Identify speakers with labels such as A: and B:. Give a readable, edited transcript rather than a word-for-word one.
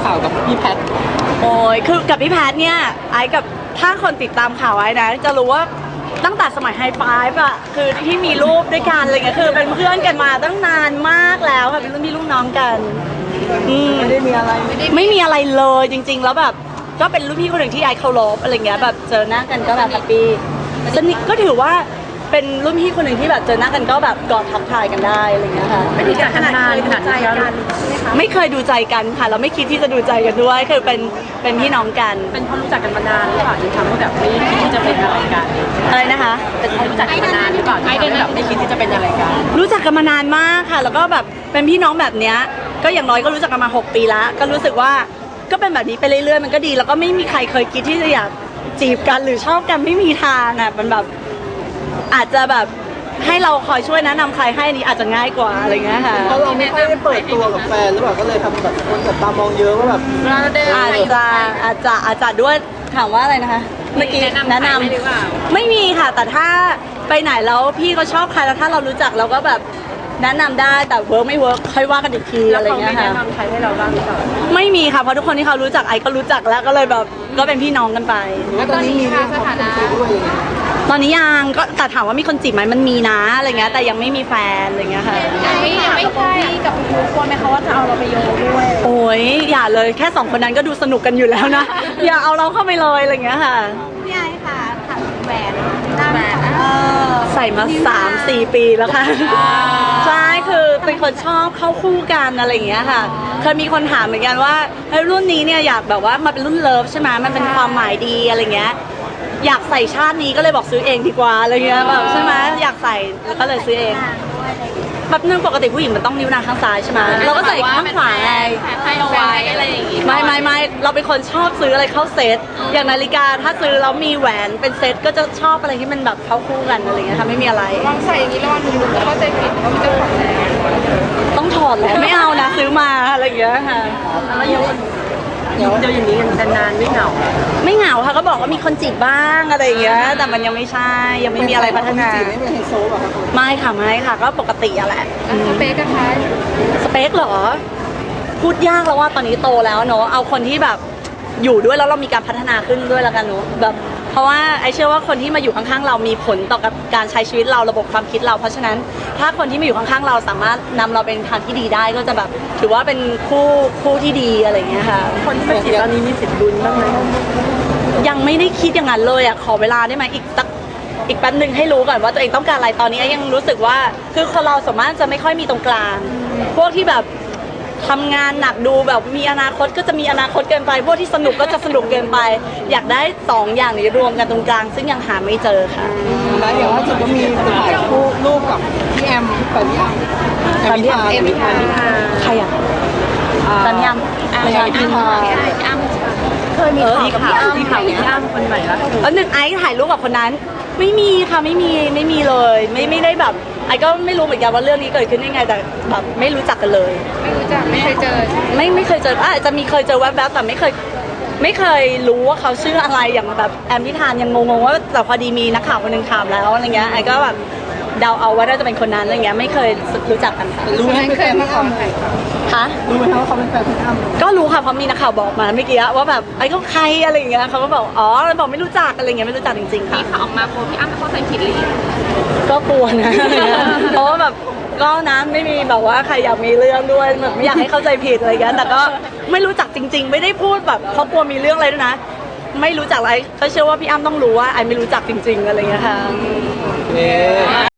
A: ข่าวกับพี่แพท
B: โอ้ยคือกับพี่แพทเนี่ยไอ้กับถ้าคนติดตามข่าวไอ้นะจะรู้ว่าตั้งแต่สมัยไฮไฟฟ์อะคือที่มีรูปด้วยกันอะไรเงี้ยคือเป็นเพื่อนกันมาตั้งนานมากแล้วค่ะเป็นรุ่นพี่รุ่นน้องกัน
A: ไม่ได้มีอะไร
B: ไม่มีอะไรเลยจริงๆแล้วแบบก็เป็นรุ่นพี่คนหนึ่งที่ไอ้เคารพอะไรเงี้ยแบบเจอหน้ากันก็แบบแฮปปี้สนิทก็ถือว่าเป็นรุ่นพี่คนหนึ่งที่แบบเจอหน้ากันก็แบบกอดทักทายกันได้อะไรเงี้ยค่ะ
C: ไม่ได้จากขนาดใจกัน
B: ไม่เคยดูใจกันค่ะเราไม่คิดที่จะดูใจกันด้วยคือเป็นพี่น้องกัน
C: เป็นเพราะรู้จักกันมานานหรือเปล่าจึงทำให้แบบไม่คิดที่จะเป็นอะไรกัน
B: อะไรนะคะ
C: เป็นเพราะรู้จักกันมานานหรือเปล่าไอเดนแบบไม่คิดที่จะเป็นอะไรกัน
B: รู้จักกันมานานมากค่ะแล้วก็แบบเป็นพี่น้องแบบเนี้ยก็อย่างน้อยก็รู้จักกันมา6 ปีแล้วก็รู้สึกว่าก็เป็นแบบนี้ไปเรื่อยๆมันก็ดีแล้วก็ไม่มีใครเคยคิดที่จะอยากจีบกันหรือชอบกันไม่มีทางอ่ะมันแบบอาจจะแบบให้เราคอยช่วยแนะนำใครให้นี้อาจจะง่ายกว่าอะไรเงี้ยค่ะ
A: เพราะเราไม่ค่อยได้เปิดตัวกับแฟนหรือเปล่าก็เลยทำแบบคนแบบตามองเยอะว่าแบบ
B: อาจจะด้วยถามว่าอะไรนะคะเมื่อกี้แนะนำไม่มีค่ะแต่ถ้าไปไหนแล้วพี่เขาชอบใครแล้วถ้าเรารู้จักเราก็แบบแนะนำได้แต่เวิร์กไม่เวิร์กค่อยว่ากันอีกทีอะไรเงี้ยค่ะ
C: แนะนำใครให้เราบ้างหรือเปล่า
B: ไม่มีค่ะเพราะทุกคนที่เขารู้จักไอก็รู้จักแล้วก็เลยแบบก็เป็นพี่น้องกันไป
A: แล้วตอนนี้มีสถานะ
B: ตอนนี้ยังก็แต่ถามว่ามีคนจีบไหมมันมีนะอะไรเงี้ยแต่ยังไม่มีแฟนอะไรเงี้ยค่ะ
C: ยังไม่ใช่กับคุณควรไหมคะว่าจะเอาเราไปโยงด้วย
B: โอ้ยอย่าเลยแค่2 คนนั้นก็ดูสนุกกันอยู่แล้วนะอย่าเอาเราเข้าไปเลยอะไรเงี้ยค่ะ
D: พี่ไอค่ะถามแหวน
B: ใส่มา3-4 ปีแล้วค่ะใช่คือเป็นคนชอบเข้าคู่กันอะไรอย่างเงี้ยค่ะเคยมีคนถามเหมือนกันว่าเฮ้ยรุ่นนี้เนี่ยอยากแบบว่ามาเป็นรุ่นเลิฟใช่ไหมมันเป็นความหมายดีอะไรเงี้ยอยากใส่ชาตินี้ก็เลยบอกซื้อเองดีกว่าอะไรเงี้ยแบบใช่ไหมอยากใส่แล้วก็เลยซื้อเองแบบนึงปกติผู้หญิงมันต้องนิ้วนางข้างซ้ายใช่ไหมเราก็ใส่ข้างขวาไง
C: ให้เอาไว้อะไรอย่างงี้
B: ไม่เราเป็นคนชอบซื้ออะไรเข้าเซตอย่างนาฬิกาถ้าซื้อแล้วมีแหวนเป็นเซตก็จะชอบอะไรที่มันแบบเข้าคู่กันอะไรเงี้ยค่ะไม่มีอะไร
C: วางใส่อย่างนี้แล้ววันนึงแล้วก็ใจผิดว่ามันจะถอดแล้ว
B: ต้องถอดแล้วไม่เอานะซื้อมาอะไรอย่างเงี้ยค่ะ
C: แล้วอยู่เจออย่างนี้กันนานไม่เหงา
B: ไม่เหงาค่ะก็บอกว่ามีคนจีบบ้างอะไรอย่างเงี้ยแต่มันยังไม่ใช่ยังไม่มีอะไรพัฒนา
A: ไม่เป็นไฮโซหรอครับ
B: ไม่ค่ะก็ปกติอะแหละ
C: สเปกกันคะ
B: สเปคเหรอพูดยากแล้วว่าตอนนี้โตแล้วเนอะเอาคนที่แบบอยู่ด้วยแล้วเรามีการพัฒนาขึ้นด้วยแล้วกันเนอะแบบเพราะว่าไอเชื่อว่าคนที่มาอยู่ข้างๆเรามีผลต่อกับการใช้ชีวิตเราระบบความคิดเราเพราะฉะนั้นถ้าคนที่มาอยู่ข้างๆเราสามารถนำเราเป็นทางที่ดีได้ก็จะแบบถือว่าเป็นคู่ที่ดีอะไรอย่างเงี้ยค่ะ
C: คนที่มาจีบตอนนี้มีสิทธิ์ลุ้นบ้างไหม
B: ยังไม่ได้คิดอย่างนั้นเลยอ่ะขอเวลาได้ไหมอีกแป๊บนึงให้รู้ก่อนว่าตัวเองต้องการอะไรตอนนี้ยังรู้สึกว่าคือคนเราสามารถจะไม่ค่อยมีตรงกลางพวกที่แบบทำงานหนักดูแบบมีอนาคตก็จะมีอนาคตเกินไปพวกที่สนุกก็จะสนุกเกินไปอยากได้2 อย่างนี้รวมกันตรงกลางซึ่งยังหาไม่เจอค่ะ
A: แล้วอย่างล่าสุดก็มีถ่ายรูปกับพี่แอมกับพี่อ้ำ
B: ใครอ่ะสัญญาณ
C: พี่อ้ำเคยมีข่าวพี่อ้ำคนใหม่แล้ว
B: 1ไอซ์ถ่ายรูปกับคนนั้นไม่มีค่ะไม่มีเลยไม่ได้แบบไอก็ไม่รู้เหมือนกันว่าเรื่องนี้เกิดขึ้นได้ไงแต่แบบไม่รู้จักกันเลย
C: ไม่รู้จักไม่เคยเจอ
B: ไม่เคยเจออาจจะมีเคยเจอแวบๆแต่ไม่เคยรู้ว่าเขาชื่ออะไรอย่างแบบแอมพิธานยังงงว่าแต่พอดีมีนักข่าวคนนึงถามแล้วอะไรเงี้ยไอก็แบบเดาเอาว่าน่าจะเป็นคนนั้นอะไรเงี้ยไม่เคยรู้จักกันค่ะ
A: รู้ไหมเป็นแฟนพี่อ้ำ
B: คะ
A: รู้ไหมว่าเขาเป็นแฟนพี่อ้ำ
B: ก็รู้ค่ะเพราะมีนักข่าวบอกมาเมื่อกี้ว่าแบบไอ้เขาใครอะไรอย่างเงี้ยเขาก็บอกอ๋อบอกไม่รู้จักอะไรเงี้ยไม่รู้จักจริงๆค่ะ
C: มีข่าวออกมาโพสพี่อ้ำเข้าใจผิดเลย
B: ก็กลัวนะเพราะว่าแบบก็นะไม่มีแบบว่าใครอยากมีเรื่องด้วยแบบไม่อยากให้เข้าใจผิดอะไรเงี้ยแต่ก็ไม่รู้จักจริงๆไม่ได้พูดแบบเพราะกลัวมีเรื่องอะไรด้วยนะไม่รู้จักอะไรก็เชื่อว่าพี่อ้ำต้องรู้ว่าไอ้ไม่รู้จักจริงๆอะไรเงี้ยค่ะ